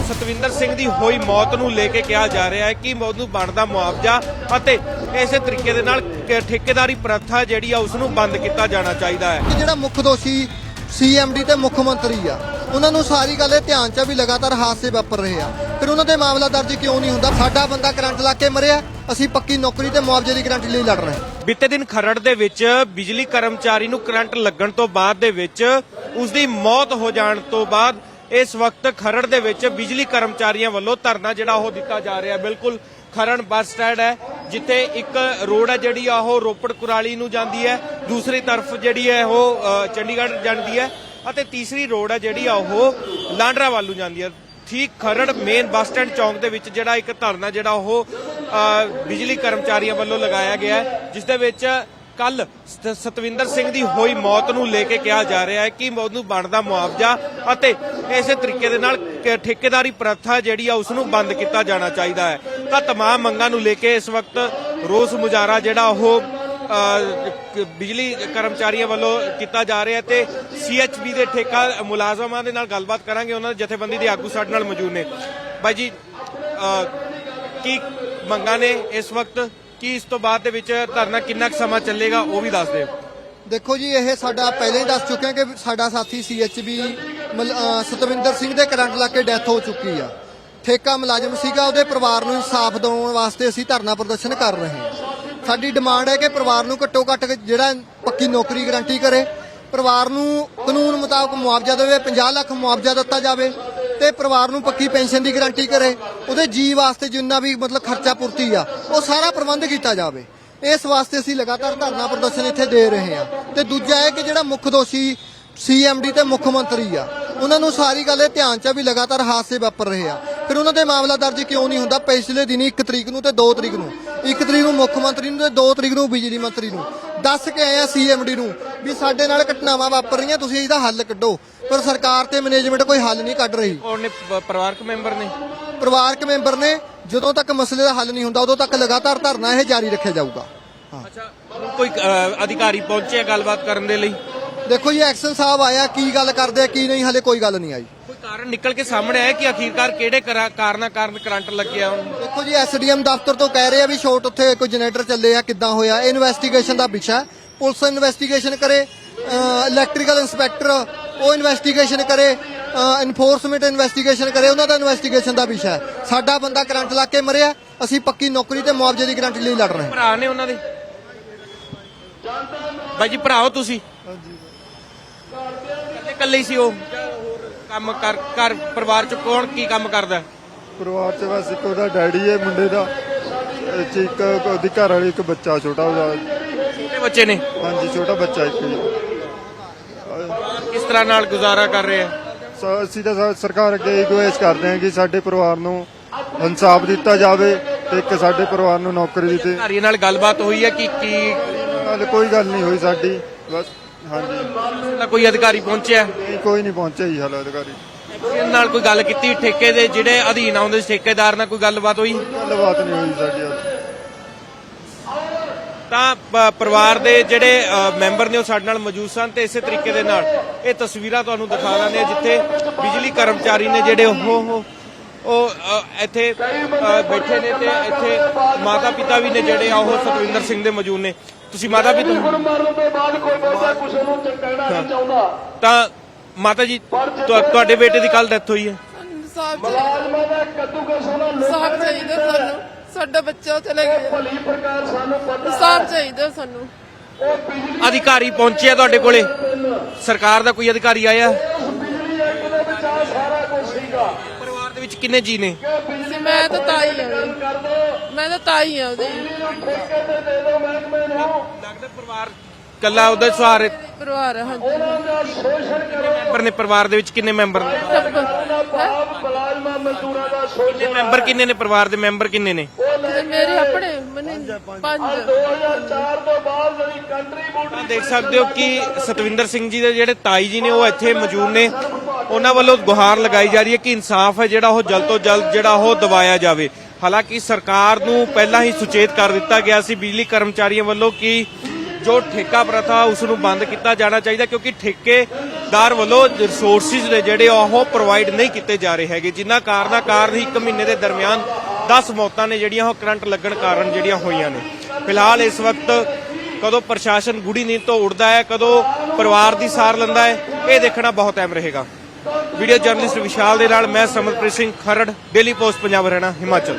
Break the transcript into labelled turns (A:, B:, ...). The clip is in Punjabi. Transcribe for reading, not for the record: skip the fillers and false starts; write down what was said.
A: ਸਤਵਿੰਦਰ ਸਿੰਘ ਦੀ ਹੋਈ ਮੌਤ ਨੂੰ ਲੈ ਕੇ ਕਿਹਾ ਜਾ ਰਿਹਾ ਹੈ ਕਿ ਉਹਨੂੰ ਬਣਦਾ ਮੁਆਵਜ਼ਾ ਅਤੇ ਇਸੇ ਤਰੀਕੇ ਦੇ ਨਾਲ ਠੇਕੇਦਾਰੀ ਪ੍ਰਥਾ ਜਿਹੜੀ ਆ ਉਸ ਨੂੰ ਬੰਦ ਕੀਤਾ ਜਾਣਾ ਚਾਹੀਦਾ ਹੈ।
B: ਜਿਹੜਾ ਮੁੱਖ ਦੋਸ਼ੀ ਸੀਐਮਡੀ ਤੇ ਮੁੱਖ ਮੰਤਰੀ ਆ ਉਹਨਾਂ ਨੂੰ ਸਾਰੀ ਗੱਲ ਇਹ ਧਿਆਨ 'ਚ ਵੀ ਲਗਾਤਾਰ ਹਾਦਸੇ ਵਾਪਰ ਰਹੇ ਆ, ਫਿਰ ਉਹਨਾਂ ਦੇ ਮਾਮਲਾ ਦਰਜ ਕਿਉਂ ਨਹੀਂ ਹੁੰਦਾ? ਸਾਡਾ ਬੰਦਾ ਕਰੰਟ ਲਾ ਕੇ ਮਰਿਆ, ਅਸੀਂ ਪੱਕੀ ਨੌਕਰੀ ਤੇ ਮੁਆਵਜ਼ੇ ਦੀ ਗਰੰਟੀ ਲਈ ਲੜ ਰਹੇ ਹਾਂ।
A: ਬੀਤੇ ਦਿਨ ਖਰੜ ਦੇ ਵਿੱਚ ਬਿਜਲੀ ਕਰਮਚਾਰੀ ਨੂੰ ਕਰੰਟ ਲੱਗਣ ਤੋਂ ਬਾਅਦ ਦੇ ਵਿੱਚ ਉਸ ਦੀ ਮੌਤ ਹੋ ਜਾਣ ਤੋਂ ਬਾਅਦ ਇਸ ਵਕਤ ਖਰੜ ਦੇ ਵਿੱਚ ਬਿਜਲੀ ਕਰਮਚਾਰੀਆਂ ਵੱਲੋਂ ਧਰਨਾ ਜਿਹੜਾ ਉਹ ਦਿੱਤਾ ਜਾ ਰਿਹਾ। ਬਿਲਕੁਲ ਖਰੜ ਬੱਸ ਸਟੈਂਡ ਹੈ ਜਿੱਥੇ ਇੱਕ ਰੋਡ ਹੈ ਜਿਹੜੀ ਆ ਉਹ ਰੋਪੜ ਕੁਰਾਲੀ ਨੂੰ ਜਾਂਦੀ ਹੈ, ਦੂਸਰੀ ਤਰਫ ਜਿਹੜੀ ਹੈ ਉਹ ਚੰਡੀਗੜ੍ਹ ਜਾਂਦੀ ਹੈ ਅਤੇ ਤੀਸਰੀ ਰੋਡ ਹੈ ਜਿਹੜੀ ਆ ਉਹ ਲਾਂਡਰਾ ਵੱਲ ਨੂੰ ਜਾਂਦੀ ਹੈ। ਠੀਕ ਖਰੜ ਮੇਨ ਬੱਸ ਸਟੈਂਡ ਚੌਂਕ ਦੇ ਵਿੱਚ ਜਿਹੜਾ ਇੱਕ ਧਰਨਾ ਜਿਹੜਾ ਉਹ ਬਿਜਲੀ ਕਰਮਚਾਰੀਆਂ ਵੱਲੋਂ ਲਗਾਇਆ ਗਿਆ ਹੈ, ਜਿਸ ਦੇ ਵਿੱਚ ਕੱਲ ਸਤਵਿੰਦਰ ਸਿੰਘ ਦੀ ਹੋਈ ਮੌਤ ਨੂੰ ਲੈ ਕੇ ਕਿਹਾ ਜਾ ਰਿਹਾ ਹੈ ਕਿ ਉਹਨੂੰ ਬਣਦਾ ਮੁਆਵਜ਼ਾ ਅਤੇ ਇਸੇ ਤਰੀਕੇ ਦੇ ਨਾਲ ਠੇਕੇਦਾਰੀ ਪ੍ਰਥਾ ਜਿਹੜੀ ਆ ਉਸ ਨੂੰ ਬੰਦ ਕੀਤਾ ਜਾਣਾ ਚਾਹੀਦਾ ਹੈ। ਤਾਂ तमाम ਮੰਗਾਂ ਨੂੰ ਲੈ ਕੇ ਇਸ ਵਕਤ ਰੋਸ ਮੁਜ਼ਾਹਰਾ ਜਿਹੜਾ ਉਹ ਬਿਜਲੀ ਕਰਮਚਾਰੀਆਂ ਵੱਲੋਂ ਕੀਤਾ ਜਾ ਰਿਹਾ ਤੇ ਸੀਐਚਬੀ ਦੇ ਠੇਕਾ ਮੁਲਾਜ਼ਮਾਂ ਦੇ ਨਾਲ ਗੱਲਬਾਤ ਕਰਾਂਗੇ। ਉਹਨਾਂ ਦੇ ਜਥੇਬੰਦੀ ਦੇ ਆਗੂ ਸਾਡੇ ਨਾਲ ਮੌਜੂਦ ਨੇ। ਬਾਈ ਜੀ ਕੀ ਮੰਗਾਂ ਨੇ ਇਸ ਵਕਤ, ਕੀ ਇਸ ਤੋਂ ਬਾਅਦ ਦੇ ਵਿੱਚ ਧਰਨਾ ਕਿੰਨਾ ਕੁ ਸਮਾਂ ਚੱਲੇਗਾ ਉਹ ਵੀ ਦੱਸ ਦਿਓ।
B: ਦੇਖੋ ਜੀ, ਇਹ ਸਾਡਾ ਪਹਿਲਾਂ ਹੀ ਦੱਸ ਚੁੱਕੇ ਹਾਂ ਕਿ ਸਾਡਾ ਸਾਥੀ ਸੀਐਚਬੀ ਸਤਵਿੰਦਰ ਸਿੰਘ ਦੇ ਕਰੰਟ ਲਾ ਕੇ ਡੈਥ ਹੋ ਚੁੱਕੀ ਆ। ਠੇਕਾ ਮੁਲਾਜ਼ਮ ਸੀਗਾ, ਉਹਦੇ ਪਰਿਵਾਰ ਨੂੰ ਇਨਸਾਫ ਦਿਵਾਉਣ ਵਾਸਤੇ ਅਸੀਂ ਧਰਨਾ ਪ੍ਰਦਰਸ਼ਨ ਕਰ ਰਹੇ ਹਾਂ। ਸਾਡੀ ਡਿਮਾਂਡ ਹੈ ਕਿ ਪਰਿਵਾਰ ਨੂੰ ਘੱਟੋ ਘੱਟ ਜਿਹੜਾ ਪੱਕੀ ਨੌਕਰੀ ਗਰੰਟੀ ਕਰੇ, ਪਰਿਵਾਰ ਨੂੰ ਕਾਨੂੰਨ ਮੁਤਾਬਕ ਮੁਆਵਜ਼ਾ ਦੇਵੇ, 50 ਲੱਖ ਮੁਆਵਜ਼ਾ ਦਿੱਤਾ ਜਾਵੇ ਤੇ ਪਰਿਵਾਰ ਨੂੰ ਪੱਕੀ ਪੈਨਸ਼ਨ ਦੀ ਗਰੰਟੀ ਕਰੇ, ਉਹਦੇ ਜੀ ਵਾਸਤੇ ਜਿੰਨਾ ਵੀ ਖਰਚਾ ਪੂਰਤੀ ਆ ਉਹ ਸਾਰਾ ਪ੍ਰਬੰਧ ਕੀਤਾ ਜਾਵੇ। ਇਸ ਵਾਸਤੇ ਅਸੀਂ ਲਗਾਤਾਰ ਧਰਨਾ ਪ੍ਰਦਰਸ਼ਨ ਇੱਥੇ ਦੇ ਰਹੇ ਹਾਂ। ਤੇ ਦੂਜਾ ਹੈ ਕਿ ਜਿਹੜਾ ਮੁੱਖ ਦੋਸ਼ੀ ਸੀਐਮਡੀ ਤੇ ਮੁੱਖ ਮੰਤਰੀ ਆ ਉਹਨਾਂ ਨੂੰ ਸਾਰੀ ਗੱਲ ਇਹ ਧਿਆਨ 'ਚ ਵੀ ਲਗਾਤਾਰ ਹਾਦਸੇ ਵਾਪਰ ਰਹੇ ਆ, ਫਿਰ ਉਹਨਾਂ ਦੇ ਮਾਮਲਾ ਦਰਜ ਕਿਉਂ ਨਹੀਂ ਹੁੰਦਾ? ਪਿਛਲੇ ਦਿਨੀ 1 ਤਰੀਕ ਨੂੰ ਤੇ 2 ਤਰੀਕ ਨੂੰ, 1 ਤਰੀਕ ਨੂੰ ਮੁੱਖ ਮੰਤਰੀ ਨੂੰ ਤੇ 2 ਤਰੀਕ ਨੂੰ ਬਿਜਲੀ ਮੰਤਰੀ ਨੂੰ ਦੱਸ ਕੇ ਆਏ ਆ ਸੀਐਮਡੀ ਨੂੰ ਵੀ ਸਾਡੇ ਨਾਲ ਘਟਨਾਵਾਂ ਵਾਪਰ ਰਹੀਆਂ, ਤੁਸੀਂ ਇਹਦਾ ਹੱਲ ਕੱਢੋ। ਪਰ ਸਰਕਾਰ ਤੇ ਮੈਨੇਜਮੈਂਟ ਕੋਈ ਹੱਲ ਨਹੀਂ ਕੱਢ ਰਹੀ।
A: ਉਹਨੇ ਪਰਿਵਾਰਕ
B: ਮੈਂਬਰ ਨੇ ਜਦੋਂ ਤੱਕ ਮਸਲੇ ਦਾ ਹੱਲ ਨਹੀਂ ਹੁੰਦਾ ਉਦੋਂ ਤੱਕ ਲਗਾਤਾਰ ਧਰਨਾ ਇਹ ਜਾਰੀ ਰੱਖਿਆ ਜਾਊਗਾ।
A: ਅੱਛਾ, ਕੋਈ ਅਧਿਕਾਰੀ ਪਹੁੰਚਿਆ ਗੱਲਬਾਤ ਕਰਨ ਦੇ ਲਈ?
B: ਦੇਖੋ ਜੀ, ਐਕਸ਼ਨ ਸਾਹਿਬ ਆਇਆ, ਕੀ ਗੱਲ ਕਰਦੇ ਆ ਕੀ ਨਹੀਂ, ਹਲੇ ਕੋਈ ਗੱਲ ਨਹੀਂ ਆਈ।
A: ਕੋਈ ਕਾਰਨ ਨਿਕਲ ਕੇ ਸਾਹਮਣੇ ਆਇਆ ਕਿ ਆਖੀਰਕਾਰ ਕਿਹੜੇ ਕਾਰਨ ਕਰੰਟ ਲੱਗਿਆ?
B: ਦੇਖੋ ਜੀ, ਐਸਡੀਐਮ ਦਫ਼ਤਰ ਤੋਂ ਕਹਿ ਰਹੇ ਆ ਵੀ ਸ਼ਾਰਟ ਉੱਥੇ ਕੋਈ ਜਨਰੇਟਰ ਚੱਲੇ ਆ, ਕਿੱਦਾਂ ਹੋਇਆ, ਇਹ ਇਨਵੈਸਟੀਗੇਸ਼ਨ ਦਾ ਵਿਸ਼ਾ ਹੈ। ਪੁਲਿਸ ਇਨਵੈਸਟੀਗੇਸ਼ਨ ਕਰੇ, ਇਲੈਕਟ੍ਰੀਕਲ ਇੰਸਪੈਕਟਰ ਉਹ ਇਨਵੈਸਟੀਗੇਸ਼ਨ ਕਰੇ, ਇਨਫੋਰਸਮੈਂਟ ਇਨਵੈਸਟੀਗੇਸ਼ਨ ਕਰੇ, ਉਹਨਾਂ ਦਾ ਇਨਵੈਸਟੀਗੇਸ਼ਨ ਦਾ ਵਿਸ਼ਾ ਹੈ। ਸਾਡਾ ਬੰਦਾ ਕਰੰਟ ਲਾ ਕੇ ਮਰਿਆ, ਅਸੀਂ ਪੱਕੀ ਨੌਕਰੀ ਤੇ ਮੁਆਵਜ਼ੇ ਦੀ ਗਰੰਟੀ ਲਈ ਲੜ ਰਹੇ ਹਾਂ।
A: ਭਰਾ ਨੇ ਉਹਨਾਂ ਦੇ? ਬਾਈ ਜੀ ਭਰਾ ਹੋ ਤੁਸੀਂ? ਇਕੱਲੇ ਹੀ ਸੀ ਉਹ? ਕੰਮ ਕਰ ਪਰਿਵਾਰ ਚ ਕੌਣ ਕੀ ਕੰਮ ਕਰਦਾ?
C: ਪਰਿਵਾਰ ਚ ਬਸ ਇੱਕ ਉਹਦਾ ਡੈਡੀ ਹੈ ਮੁੰਡੇ ਦਾ, ਇੱਕ ਉਹਦੀ ਘਰ ਵਾਲੀ, ਇੱਕ ਬੱਚਾ ਛੋਟਾ ਉਹਦਾ।
A: ਛੋਟੇ ਬੱਚੇ ਨੇ?
C: ਹਾਂਜੀ, ਛੋਟਾ ਬੱਚਾ ਇੱਕ ਹੀ।
A: ਕਿਸ ਤਰ੍ਹਾਂ ਨਾਲ ਗੁਜ਼ਾਰਾ ਕਰ ਰਹੇ ਆ?
C: ਅਸੀਂ ਤਾਂ ਸਰਕਾਰ ਅੱਗੇ ਗੁਜ਼ਾਰਿਸ਼ ਕਰਦੇ ਹਾਂ ਕਿ ਸਾਡੇ ਪਰਿਵਾਰ ਨੂੰ ਇਨਸਾਫ ਦਿੱਤਾ ਜਾਵੇ ਤੇ ਇੱਕ ਸਾਡੇ ਪਰਿਵਾਰ ਨੂੰ ਨੌਕਰੀ ਦਿੱਤੀ।
A: ਘਰ ਨਾਲ ਗੱਲਬਾਤ ਹੋਈ ਹੈ ਕਿ
C: ਕੋਈ ਗੱਲ ਨਹੀਂ ਹੋਈ ਸਾਡੀ, ਬਸ। ਹਾਂਜੀ,
A: ਕੋਈ ਅਧਿਕਾਰੀ ਪਹੁੰਚਿਆ?
C: ਨਹੀਂ, ਕੋਈ ਨਹੀਂ ਪਹੁੰਚਿਆ ਜੀ ਹਾਲੇ ਅਧਿਕਾਰੀ।
A: ਨਾਲ ਕੋਈ ਗੱਲ ਕੀਤੀ? ਠੇਕੇ ਦੇ ਜਿਹੜੇ ਅਧੀਨ ਆਉਂਦੇ ਠੇਕੇਦਾਰ ਨਾਲ ਕੋਈ ਗੱਲਬਾਤ ਹੋਈ?
C: ਗੱਲਬਾਤ ਨਹੀਂ ਹੋਈ ਸਾਡੀ।
A: ਤਾਂ ਪਰਿਵਾਰ ਦੇ ਜਿਹੜੇ ਮੈਂਬਰ ਨੇ ਉਹ ਸਾਡੇ ਨਾਲ ਮੌਜੂਦ ਸਨ ਤੇ ਇਸੇ ਤਰੀਕੇ ਦੇ ਨਾਲ ਇਹ ਤਸਵੀਰਾਂ ਤੁਹਾਨੂੰ ਦਿਖਾ ਦਿੰਦੇ ਆ ਜਿੱਥੇ ਬਿਜਲੀ ਕਰਮਚਾਰੀ ਨੇ ਜਿਹੜੇ ਉਹ ਇੱਥੇ ਬੈਠੇ ਨੇ ਤੇ ਇੱਥੇ ਮਾਤਾ ਪਿਤਾ ਵੀ ਨੇ ਜਿਹੜੇ ਆ ਉਹ ਸਤਵਿੰਦਰ ਸਿੰਘ ਦੇ ਮੌਜੂਦ ਨੇ। ਤੁਸੀਂ ਮਾਤਾ ਪਿਤਾ? ਤਾਂ ਮਾਤਾ ਜੀ ਤੁਹਾਡੇ ਬੇਟੇ ਦੀ ਕੱਲ ਡੈਥ ਹੋਈ ਹੈ।
D: ਸਾਫ ਚਾਹੀਦਾ ਸਾਨੂੰ, ਸਾਡਾ ਬੱਚਾ ਚਲੇ ਗਿਆ, ਸਾਫ ਚਾਹੀਦਾ ਸਾਨੂੰ।
A: ਅਧਿਕਾਰੀ ਪਹੁੰਚਿਆ ਤੁਹਾਡੇ ਕੋਲੇ? ਸਰਕਾਰ ਦਾ ਕੋਈ ਅਧਿਕਾਰੀ ਆਇਆ? ਪਰਿਵਾਰ ਦੇ ਵਿੱਚ ਕਿੰਨੇ ਜੀ ਨੇ?
D: ਮੈਂ ਤਾਂ ਤਾਈ ਆ ਉਹਦੀ।
A: ਲੱਗਦਾ ਪਰਿਵਾਰ ਕੱਲਾ ਉਹਦਾ ਸਹਾਰੇ
D: ਪਰਿਵਾਰ? ਹਾਂਜੀ।
A: ਮੈਂਬਰ ਨੇ ਪਰਿਵਾਰ ਦੇ ਵਿੱਚ? ਕਿੰਨੇ ਮੈਂਬਰ ਨੇ? ਮੈਂਬਰ ਕਿੰਨੇ ਨੇ ਪਰਿਵਾਰ ਦੇ? ਮੈਂਬਰ ਕਿੰਨੇ ਨੇ?
D: ਮੇਰੇ ਆਪਣੇ 5।
A: ਦੇਖ ਸਕਦੇ ਹੋ ਕਿ ਸਤਵਿੰਦਰ ਸਿੰਘ ਜੀ ਦੇ ਜਿਹੜੇ ਤਾਈ ਜੀ ਨੇ ਉਹ ਇੱਥੇ ਮੌਜੂਦ ਨੇ। ਉਹਨਾਂ ਵੱਲੋਂ ਗੁਹਾਰ ਲਗਾਈ ਜਾ ਰਹੀ ਹੈ ਕਿ ਇਨਸਾਫ ਹੈ ਜਿਹੜਾ ਉਹ ਜਲਦ ਤੋਂ ਜਲਦ ਜਿਹੜਾ ਉਹ ਦਿਵਾਇਆ ਜਾਵੇ। ਹਾਲਾਂਕਿ ਸਰਕਾਰ ਨੂੰ ਪਹਿਲਾਂ ਹੀ ਸੁਚੇਤ ਕਰ ਦਿੱਤਾ ਗਿਆ ਸੀ ਬਿਜਲੀ ਕਰਮਚਾਰੀਆਂ ਵੱਲੋਂ ਕਿ ਜੋ ਠੇਕਾ ਪ੍ਰਥਾ ਉਸ ਨੂੰ ਬੰਦ ਕੀਤਾ ਜਾਣਾ ਚਾਹੀਦਾ, ਕਿਉਂਕਿ ਠੇਕੇਦਾਰ ਵੱਲੋਂ ਰਿਸੋਰਸਿਸ ਨੇ ਜਿਹੜੇ ਉਹ ਪ੍ਰੋਵਾਈਡ ਨਹੀਂ ਕੀਤੇ ਜਾ ਰਹੇ ਹੈਗੇ, ਜਿਨ੍ਹਾਂ ਕਾਰਨ ਹੀ 1 ਮਹੀਨੇ ਦੇ ਦਰਮਿਆਨ 10 ਮੌਤਾਂ ਨੇ ਜਿਹੜੀਆਂ ਉਹ ਕਰੰਟ ਲੱਗਣ ਕਾਰਨ ਜਿਹੜੀਆਂ ਹੋਈਆਂ ਨੇ। ਫਿਲਹਾਲ ਇਸ ਵਕਤ ਕਦੋਂ ਪ੍ਰਸ਼ਾਸਨ ਗੂੜੀ ਨੀਂਦ ਤੋਂ ਉੱਠਦਾ ਹੈ, ਕਦੋਂ ਪਰਿਵਾਰ ਦੀ ਸਾਰ ਲੈਂਦਾ ਹੈ, ਇਹ ਦੇਖਣਾ ਬਹੁਤ ਅਹਿਮ ਰਹੇਗਾ। ਵੀਡੀਓ ਜਰਨਲਿਸਟ ਵਿਸ਼ਾਲ ਦੇ ਨਾਲ ਮੈਂ ਸਮਰਪ੍ਰੀਤ ਸਿੰਘ ਖਰੜ, ਡੇਲੀ ਪੋਸਟ ਪੰਜਾਬ ਹਰਿਆਣਾ ਹਿਮਾਚਲ।